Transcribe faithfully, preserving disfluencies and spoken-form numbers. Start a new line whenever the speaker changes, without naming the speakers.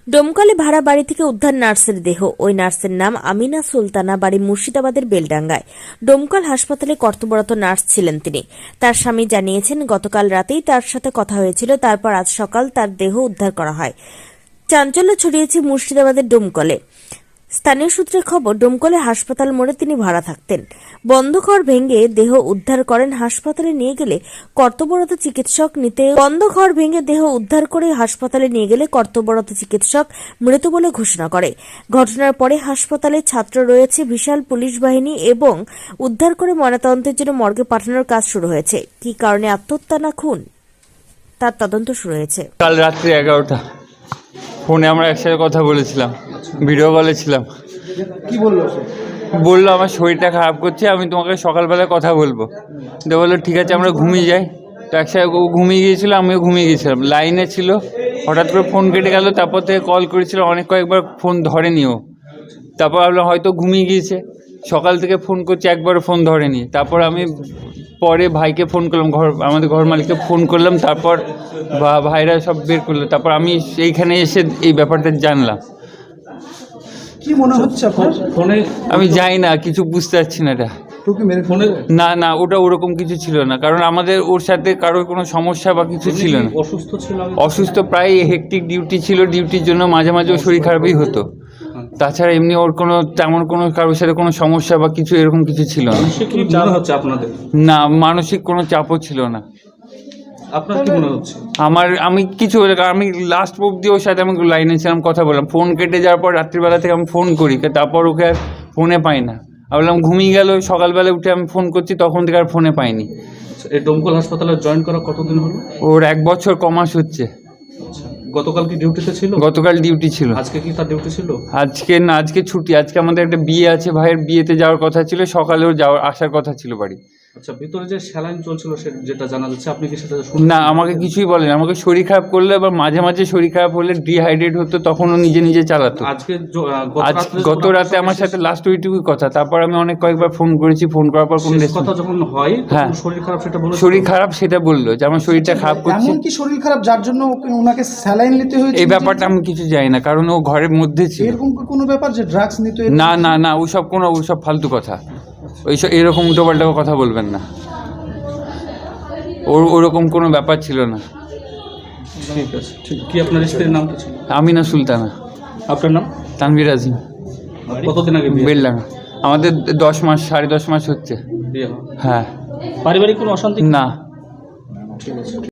ডোমকলে ভাড়া বাড়ি থেকে উদ্ধার নার্সের দেহ। ওই নার্সের নাম আমিনা সুলতানা, বাড়ি মুর্শিদাবাদের বেলডাঙ্গায়। ডোমকল হাসপাতালে কর্তব্যরত নার্স ছিলেন তিনি। তার স্বামী জানিয়েছেন, গতকাল রাতেই তার সাথে কথা হয়েছিল, তারপর আজ সকাল তার দেহ উদ্ধার করা হয়। চাঞ্চল্য ছড়িয়েছে মুর্শিদাবাদের ডোমকলে। স্থানীয় সূত্রে খবর, ডোমকলে হাসপাতাল মোড়ে তিনি ভাড়া থাকতেন। বন্ধ ঘর ভেঙে দেহ উদ্ধার করেন। হাসপাতালে নিয়ে গেলে কর্তব্যরত চিকিৎসক নিতে বন্ধ ঘর ভেঙে দেহ উদ্ধার করে হাসপাতালে নিয়ে গেলে কর্তব্যরত চিকিৎসক মৃত বলে ঘোষণা করে। ঘটনার পরে হাসপাতালে ছাত্র রয়েছে, বিশাল পুলিশ বাহিনী এবং উদ্ধার করে ময়নাতদন্তের জন্য মর্গে পাঠানোর কাজ শুরু হয়েছে। কি কারণে আত্মহত্যা না খুন, তার তদন্ত শুরু হয়েছে।
কাল রাত্রি এগারোটা ফোনে আমরা একসাথে কথা বলেছিলাম, ভিডিও কলে ছিলাম।
কি বললো?
বললো আমার শরীরটা খারাপ করছে, আমি তোমাকে সকালবেলায় কথা বলবো। তো বললো ঠিক আছে, আমরা ঘুমিয়ে যাই। তো একসাথে ও ঘুমিয়ে গিয়েছিল, আমিও ঘুমিয়ে গিয়েছিলাম। লাইনে ছিল, হঠাৎ করে ফোন কেটে গেল। তারপর থেকে কল করেছিল, অনেক কয়েকবার ফোন ধরেনি ও। তারপর ভাবলাম হয়তো ঘুমিয়ে গিয়েছে। সকাল থেকে ফোন করছি, একবারও ফোন ধরেনি। তারপর আমি পরে ভাইকে ফোন করলাম, ঘর আমাদের ঘর মালিককে ফোন করলাম। তারপর ভাইরা সব বের করলো। তারপর আমি এইখানে এসে এই ব্যাপারটা জানলাম।
কি মনে হচ্ছে আপনার?
ফোনে আমি যাই না, কিছু বুঝতে পারছি না। এটা
তোকে মেরে ফোনে
না না ওটা ওরকম কিছু ছিল না, কারণ আমাদের ওর সাথে কারোর কোনো সমস্যা বা কিছু ছিল না।
অসুস্থ ছিল?
অসুস্থ প্রায় হেকটিক ডিউটি ছিল, ডিউটির জন্য মাঝে মাঝে ওর শরীর খারাপই হতো। তাছাড়া এমনি ওর কোনো তেমন কোনো কারোর সাথে কোনো সমস্যা বা কিছু এরকম কিছু ছিল না।
কি মনে হচ্ছে আপনাদের?
না, মানসিক কোনো চাপও ছিল না।
আপনার কি মনে হচ্ছে?
আমার আমি কিছু আমি লাস্ট অব্দি ওর সাথে আমি লাইনে ছিলাম, কথা বললাম। ফোন কেটে যাওয়ার পর রাত্রিবেলা থেকে আমি ফোন করি, তারপর ওকে আর ফোনে পাই না। আমি বললাম ঘুমিয়ে গেল, সকালবেলা উঠে আমি ফোন করছি, তখন থেকে আর ফোনে পাইনি।
এই ডোমকল হাসপাতালে জয়েন করা কতদিন হলো?
ওর এক বছর কমাস হচ্ছে।
গতকাল কি ডিউটিতে ছিল?
গতকাল ডিউটি ছিল।
আজকে কি তার ডিউটি ছিল?
আজকে না, আজকে ছুটি। আজকে আমাদের একটা বিয়ে আছে, ভাইয়ের বিয়েতে যাওয়ার কথা ছিল, সকালেও যাওয়ার আসার কথা ছিল বাড়ি।
আচ্ছা, ভিতরে যে স্যালাইন চলছিল যেটা জানা যাচ্ছে, আপনি কি সেটা
না, আমাকে কিছুই বলেন। আমাকে শরীর খারাপ করলে বা মাঝে মাঝে শরীর খারাপ হলে ডিহাইড্রেট হতো, তখন ও নিজে নিজে চালাতো।
আজকে
আজ গত রাতে আমার সাথে লাস্ট ওইটুকুই কথা। তারপর আমি অনেক কয়েকবার ফোন করেছি, ফোন করার পর কোনো
কথা যখন হয়
হ্যাঁ
শরীর খারাপ সেটা বলে
শরীর খারাপ সেটা বললো, যে আমার শরীরটা খারাপ করছে।
এমন কি শরীর খারাপ যার জন্য ওনাকে স্যালাইন নিতে হয়েছে?
এই ব্যাপারটা আমি কিছু জানি না, কারণ ও ঘরের মধ্যে ছিল।
এরকম কোনো ব্যাপার যে ড্রাগস নিতে?
না না না, ওইসব কোনো ওইসব ফালতু কথা, ওইসব এরকম উল্টোপাল্টা কথা বলবেন না। ওর ওরকম কোনো ব্যাপার ছিল না।
ঠিক আছে। ঠিক কি আপনার স্ত্রীর নাম কি ছিল?
আমিনা সুলতানা।
আপনার নাম?
তানভীর আজিম।
কতদিন আগে বিয়ে?
বেলডাঙ্গা। আমাদের দশ মাস সাড়ে দশ মাস হচ্ছে।
বিয়ে হয়?
হ্যাঁ।
পারিবারিক কোনো অশান্তি?
না।
ঠিক আছে।